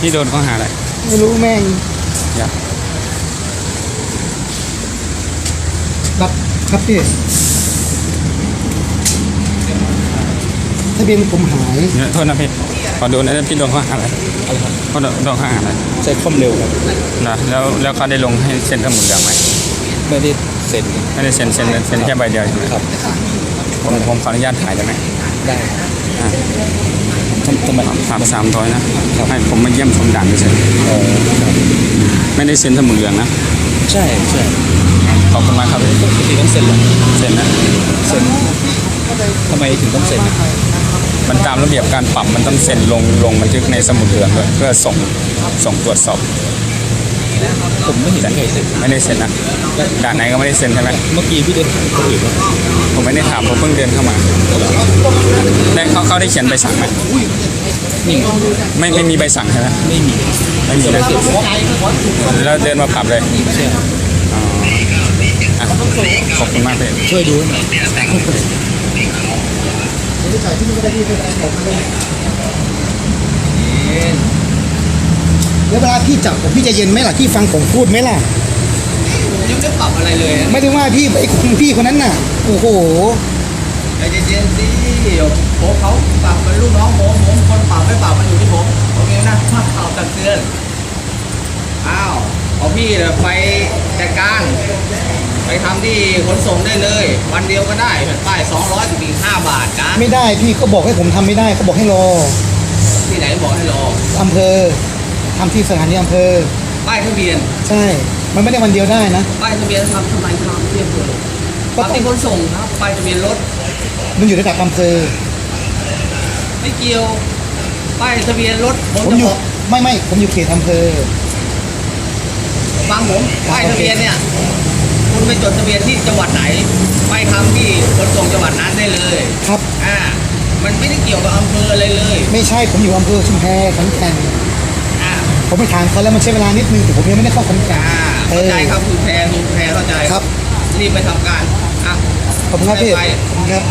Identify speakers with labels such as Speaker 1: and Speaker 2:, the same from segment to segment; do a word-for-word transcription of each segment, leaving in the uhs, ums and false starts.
Speaker 1: พี่โดนข้อหาอะไร
Speaker 2: ไม่รู้แม่ง
Speaker 1: อย่า
Speaker 2: รับครับพี่ทะเบียนผมหาย
Speaker 1: เนี่ยโทษนะพี่ขอดูนะพี่โดนข้อหาอะไรเขาโดนโดนข้อหาอะไร
Speaker 2: ใช้ความเร็วครับ
Speaker 1: นะแล้วแล้วเขาได้ลงให้เซ็นสมุดเหลืองไหม
Speaker 2: ไม่ได้เซ็น
Speaker 1: ไม่ได้เซ็นเซ็นเซ็นแค่ใบเดียวใช่ไหม
Speaker 2: ครับ
Speaker 1: ผมผมขออนุญาตถ่ายได้ไหม
Speaker 2: ได้ทำทำไม
Speaker 1: สามสามร้อยนะให้ผมมาเยี่ยมชมด่านเฉยไม่ได้เซ็นสมุดเหลืองนะ
Speaker 2: ใช่ใช่
Speaker 1: ขอบคุณมากครับ
Speaker 2: ปกติต้องเซ็นหรอ
Speaker 1: เซ็นนะ
Speaker 2: เซ็นทำไมถึงต้องเซ็น
Speaker 1: มันตามระเบียบการปรับมันต้องเซ็นลงลงบันทึกในสมุดเหลืองด้วยเพื่อส่งส่งตรวจสอบ
Speaker 2: ผมไม่เห็นใครเซ็น
Speaker 1: ไม่ได้เซ็นนะด่านไหนก็ไม่ได้เซ็นใช่ไหม
Speaker 2: เมื่อกี้พี่เดินถามคนอื่นว่า
Speaker 1: ผมไม่ได้ถามผมเพิ่งเดินเข้ามาได้เขาเขาได้เขียนใบสั่งไหมไม่ไม่มีใบสั่งใช่ไหม
Speaker 2: ไม่มี
Speaker 1: ไม่มีนะแล้วเดินมาปรับเลยขอบคุณมากเลย
Speaker 2: ช่วยดูหน่อยแล้วเวลาพี่จับผมพี่จะเย็นไหมล่ะพี่ฟังผมพูดไหมล่ะ
Speaker 3: ยังไม่ปรับอะไรเลย
Speaker 2: ไม่ได้ว่าพี่ไอ้คุณพี่คนนั้นน่ะโอ้โห
Speaker 3: ใจเย็นๆสิผมเขาปรับเป็นลูกน้องผมผมคนปรับไม่ปรับมันอยู่ที่ผมโอเคนะมาข่าวตักเตือนอ้าวเอาพี่ไปจัดการไปทำที่ขนส่งได้เลยวันเดียวก็ได้แผ่นป้ายสองร้อยถึงห้าบาทจ้า
Speaker 2: ไม่ได้พี่ก็บอกให้ผมทำไม่ได้เขาบอกให้รอ
Speaker 3: ที่ไหนบอกให้รอ
Speaker 2: อำเภอทำที่สถานีอำเภอ
Speaker 3: ป้ายทะเบียน
Speaker 2: ใช่มันไม่ได้วันเดียวได้นะ
Speaker 3: ป้ายทะเบียนทำทำไมทำที่อำเภอทำที่ขนส่งครับป้ายทะเบียนรถ
Speaker 2: มันอยู่ระดับอำเภอ
Speaker 3: ไม่เกี่ยวป้ายทะเบียนรถ
Speaker 2: ผมอยู่ไม่ไม่ผมอยู่เขตอำเภอ
Speaker 3: ฟังผมป้ายทะเบียนเนี่ยคุณไปจดทะเบียนที่จังหวัดไหนไปทำที่ขนส่งจังหวัดนั้นได้เลย
Speaker 2: ครับ
Speaker 3: อ่ามันไม่ได้เกี่ยวกับอำเภออะไรเลย
Speaker 2: ไม่ใช่ผมอยู่อำเภอชุมแพขอนแก่น
Speaker 3: อ่า
Speaker 2: ผมไปถามเขาแล้วมันใช้เวลานิดนึงแต่ผมยังไม่ได้เข้าขอนแก่น
Speaker 3: เข้าใจครับคุณแพรคุณแพรเข้าใจ
Speaker 2: ครับ
Speaker 3: รีบไปทำการอ่ะ
Speaker 2: ขอบคุณครับพี่ขอบคุณครับ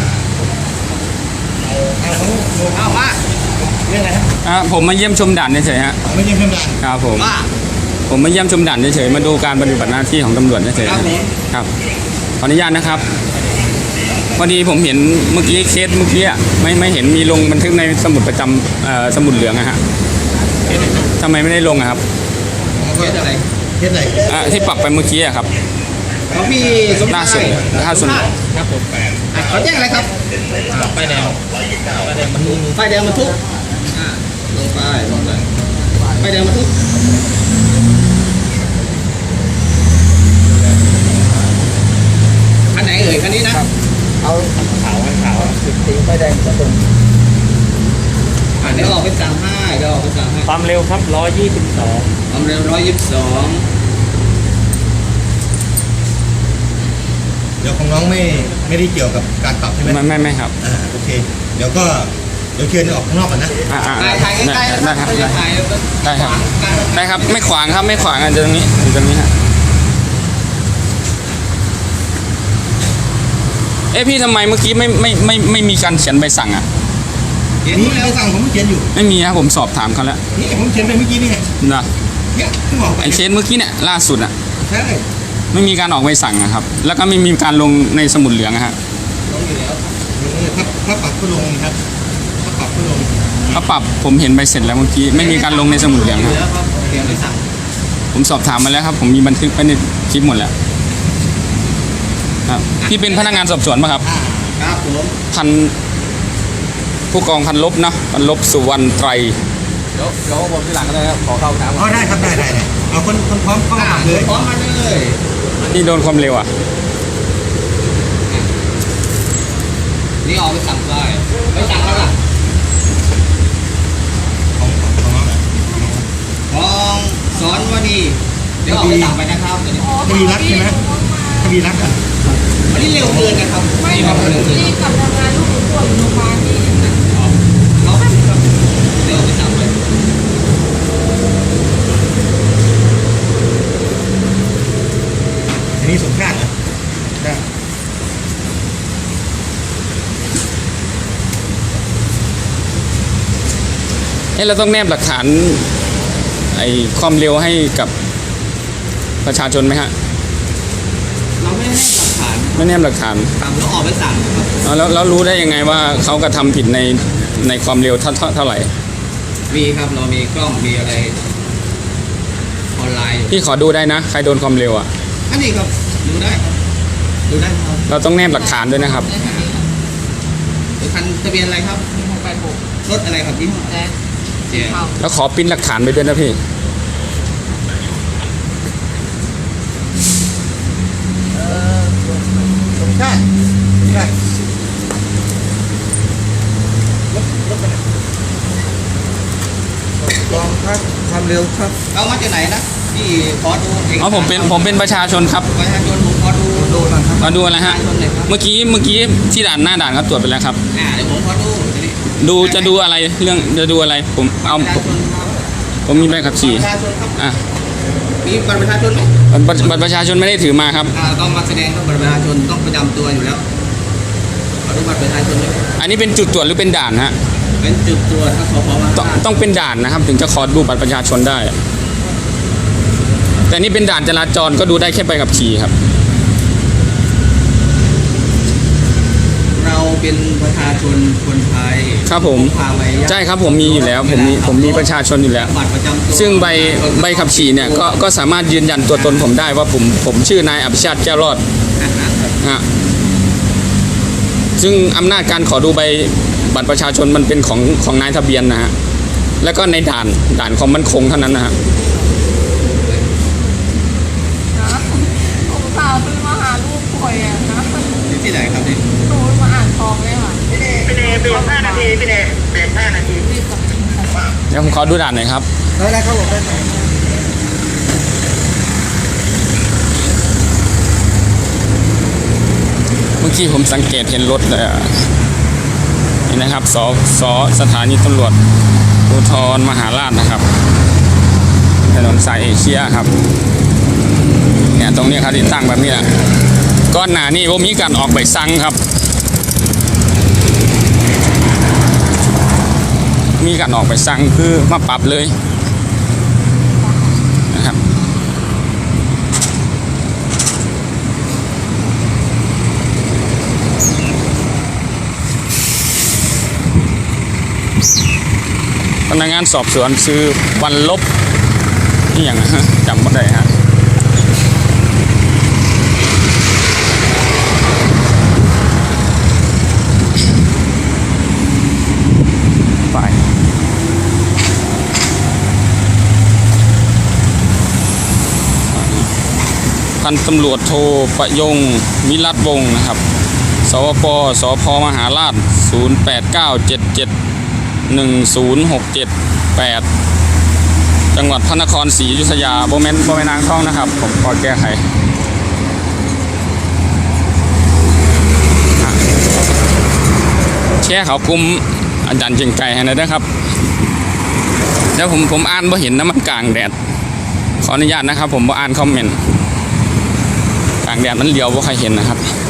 Speaker 3: เอามาเรื่องอะไรครับ
Speaker 1: อ่าผมมาเยี่ยมชมด่านเฉยๆฮะ
Speaker 2: มาเยี่ยมชมด่าน
Speaker 1: ครับผมผมมาเยี่ยมชมด่านเฉยๆมาดูการปฏิบัติหน้าที่ของตำรวจเฉยๆครับขออนุญาตนะครับพอดีผมเห็นเมื่อกี้เคสเมื่อกี้ไม่ไม่เห็นมีลงบันทึกในสมุดประจำสมุดเหลืองอะฮะทำไมไม่ได้ลงอะครับ
Speaker 3: เคสอะไร
Speaker 2: เคสไหน
Speaker 1: ที่ปรับไปเมื่อกี้อะครับ
Speaker 3: ของพี่สมชาย
Speaker 1: ล่าสุดล่าสุด
Speaker 3: ครับผมเขาแจ้งอะไรครับ
Speaker 2: ป้ายแดง
Speaker 3: ป้ายแดงบรรทุกลงไปลงไปป้ายแดงบรรทุกคันไหนเอ่ยคันนี้นะ
Speaker 2: เอาขาวขาวสิบตีป้ายแดงจะตรง
Speaker 3: อ่าเดี๋ยวออกไปสั่งให้เดี๋ยวออกไปสั่งให้
Speaker 2: ความเร็วครับร้อยยี่สิบสอง
Speaker 3: ความเร็วร้อยยี่สิบสอง
Speaker 4: เดี๋ยวของน้องไม่ไม่ได้เกี่ยวกับการปรับใช่ไหม
Speaker 1: ไม่ไม่ไม่ครับ
Speaker 4: อ่าโอเคเดี๋ยวก็เดี๋ยวเชิญออกข้างนอกก่อนนะ
Speaker 1: อ่า
Speaker 3: ถ่ายถ่ายใกล้ๆ
Speaker 1: ได้ครับ
Speaker 3: ได้
Speaker 1: ได้ครับได้ครับไม่ขวางครับไม่ขวางอ่ะตรงนี้ตรงนี้ฮะเอ้พี่ทำไมเมื่อกี้ไม่ไม่ไม่ไม่มีการเขียนใบสั่งอ่ะ
Speaker 4: นี่ใบสั่งผมเขียนอยู่
Speaker 1: ไม่มีครับผมสอบถามเขาแล้ว
Speaker 4: นี่ผมเขียนไปเมื่อกี้นี่ไง
Speaker 1: นะ
Speaker 4: เนี่ยที่บอก
Speaker 1: ไอเคสเมื่อกี้เนี่ยล่าสุดอ่ะ
Speaker 4: ใช่
Speaker 1: ไม่มีการออกใบสั่งนะครับแล้วก็ไม่มีการลงในสมุดเหลืองฮะ
Speaker 4: ลงอยู่แล้วถ้าถ้าปรับก็ลงครับถ้าปรับก็ลง
Speaker 1: ถ้าปรับผมเห็นใบเสร็จแล้วเมื่อกี้ไม่มีการลงในสมุดเหลืองครับผมสอบถามมาแล้วครับผมมีบันทึกไปในคลิปหมดแล้วครับพี่เป็นพนักงานสอบสวนป่ะครับ
Speaker 3: ครับผม
Speaker 1: พันผู้กองพันลบเนาะพันลบสุวรรณไตร
Speaker 3: เดี๋ยวเดี๋ยวผมที่หลังก็ได้ครับขอเข้าถาม
Speaker 4: อ๋อได้ครับได้ได้เอาคนคนพร้อมเข้ามาเลย
Speaker 3: พร้อมมาเลย
Speaker 1: นี่โดนความเร็วอ่ะ
Speaker 3: นี่ออกไปสั่งเลยไม่สั่งแล้วล่ะ
Speaker 4: ของของของน้อง
Speaker 3: ของสอนวันนี้เดี๋ยวออกไปสั่งไปนะครับ
Speaker 4: คดีรักใช่ไหมคดีรักอ่ะ
Speaker 3: อันนี้เร็วเกินนะครับ
Speaker 5: ไม่ครับนี่กลับทำงานลูกหนูป่วยอยู่โรงพยาบาลนี่
Speaker 3: เขาเดี๋ยวไปสั่งเลย
Speaker 4: อันนี้สมชาตินะได้
Speaker 1: เอ้เราต้องแนบหลักฐานไอ้ความเร็วให้กับประชาชนไหมฮะ
Speaker 3: เราไม่ได้ให้หลักฐาน
Speaker 1: ไม่แนบหลักฐาน
Speaker 3: ทำแล้วออกไปสั่งครับ
Speaker 1: เอาแล้วแล้วรู้ได้ยังไงว่าเขากระทำผิดในในความเร็วเท่าเท่าเท่าไหร่
Speaker 3: มีครับเรามีกล้องมีอะไรออนไลน์อยู่
Speaker 1: พี่ขอดูได้นะ ใครโดนความเร็วอ่ะ
Speaker 3: อันนี้ครับดูได้ครับดูได้ครับ
Speaker 1: เราต้องแนบหลักฐานด้วยนะครับ
Speaker 3: ดูคันทะเบียนอะไรครับ
Speaker 5: หกแปดหก
Speaker 3: รถอะไรครับยี่ห้อ
Speaker 5: แจ๊ค
Speaker 3: เจ๊
Speaker 5: เข้า
Speaker 1: แล้วขอปริ้นหลักฐานไปด้วยนะพี่
Speaker 2: เออสมชาติใช่รถรถไปไหนลองครับความเร็วครับ
Speaker 3: เอามาจากไหนนะพี่ขอดูเอกสาร
Speaker 1: อ๋อผมเป็นผมเป็นประชาชนครับ
Speaker 3: ประชาชนผมขอดู
Speaker 2: ดูหน่อยครับ
Speaker 1: มาดูอะไรฮะ
Speaker 3: ประชาชนเลยครับ
Speaker 1: เมื่อกี้เมื่อกี้ที่ด่านหน้าด่านเขาตรวจไปแล้วครับ
Speaker 3: อ่าเดี๋ยวผมขอดูทีนี้
Speaker 1: ดูจะดูอะไรเรื่องจะดูอะไรผมเอา
Speaker 3: ประชาชนครับ
Speaker 1: ผมมีใบขับขี่
Speaker 3: ประชาชนครับ
Speaker 1: อ่ะ
Speaker 3: มีบัตรประชาชนไหม
Speaker 1: บัตรบัตรประชาชนไม่ได้ถือมาครับ
Speaker 3: อ่าต้องมาแสดงต้องบัตรประชาชนต้องประจำตัวอยู่แล้วขอดูบัตรประชาชนด้วย
Speaker 1: อันนี้เป็นจุดตรวจหรือเป็นด่านฮะ
Speaker 3: เป็นจุดตรวจทั้งสพมา
Speaker 1: ต้องต้องเป็นด่านนะครับ ถึงจะขอดูบัตรประชาชนได้ แต่นี่เป็นด่านจราจรก็ดูได้แค่ใบขับขี่ครับ
Speaker 3: เราเป็นประชาชนคนไทย
Speaker 1: ครับผม
Speaker 3: พาไป
Speaker 1: ใช่ครับผมมีอยู่แล้วผมมีผมมีประชาชนอยู่แล้ว
Speaker 3: บัตรประจำตัว
Speaker 1: ซึ่งใบใบขับขี่เนี่ยก็ก็สามารถยืนยันตัวตนผมได้ว่าผมผมชื่อนายอภิชาติแก้วรอด
Speaker 3: อ่าฮะ
Speaker 1: ฮะซึ่งอำนาจการขอดูใบบัตรประชาชนมันเป็นของของนายทะเบียนนะฮะแล้วก็ในด่านด่านความมั่นคงเท่านั้นนะฮะ
Speaker 5: นะผมสาวซื้อมาหาลูกป่วยอ่ะนะ
Speaker 3: อยู่ที่ไหนครับนี่
Speaker 5: หนูมาอ่านทองเลยค่ะ
Speaker 6: พี่เนพี่เนเบรกห้านาทีพี่เนเบรกห้านาที
Speaker 5: รีบกลับมา
Speaker 1: เดี๋ยวผมขอดูด่านหน่อยครับ
Speaker 2: ได้ได้ครับผมได้ครับ
Speaker 1: เมื่อกี้ผมสังเกตเห็นรถเลยอะนี่นะครับสสสถานีตำรวจภูธรมหาราชนะครับถนนสายเอเชียครับเนี่ยตรงนี้ครับที่ตั้งแบบนี้แหละก้อนหนานี่ว่ามีการออกใบสั่งครับ มีการออกใบสั่งคือมาปรับเลยนะครับพนักงานสอบสวนซื้อวันลบนี่อย่างนะฮะจำไม่ได้ฮะไปพันตำรวจโทประยงมิรัตวงศ์นะครับ สวปสพมหาราชศูนย์แปดเก้าเจ็ดเจ็ดหนึ่งศูนย์หกเจ็ดแปดจังหวัดพระนครศรีอยุธยาโบเมนโบเมนางทองนะครับ ผมขอแก้ไขอ่ะแชร์เขากลุ่มอาจารย์เจงไก่ให้หน่อยนะครับแล้วผมผมอ่านบ่เห็นนะมันกลางแดดขออนุญาตนะครับ ผมบ่อ่านคอมเมนต์กลางแดดมันเลียวบ่ใครเห็นนะครับ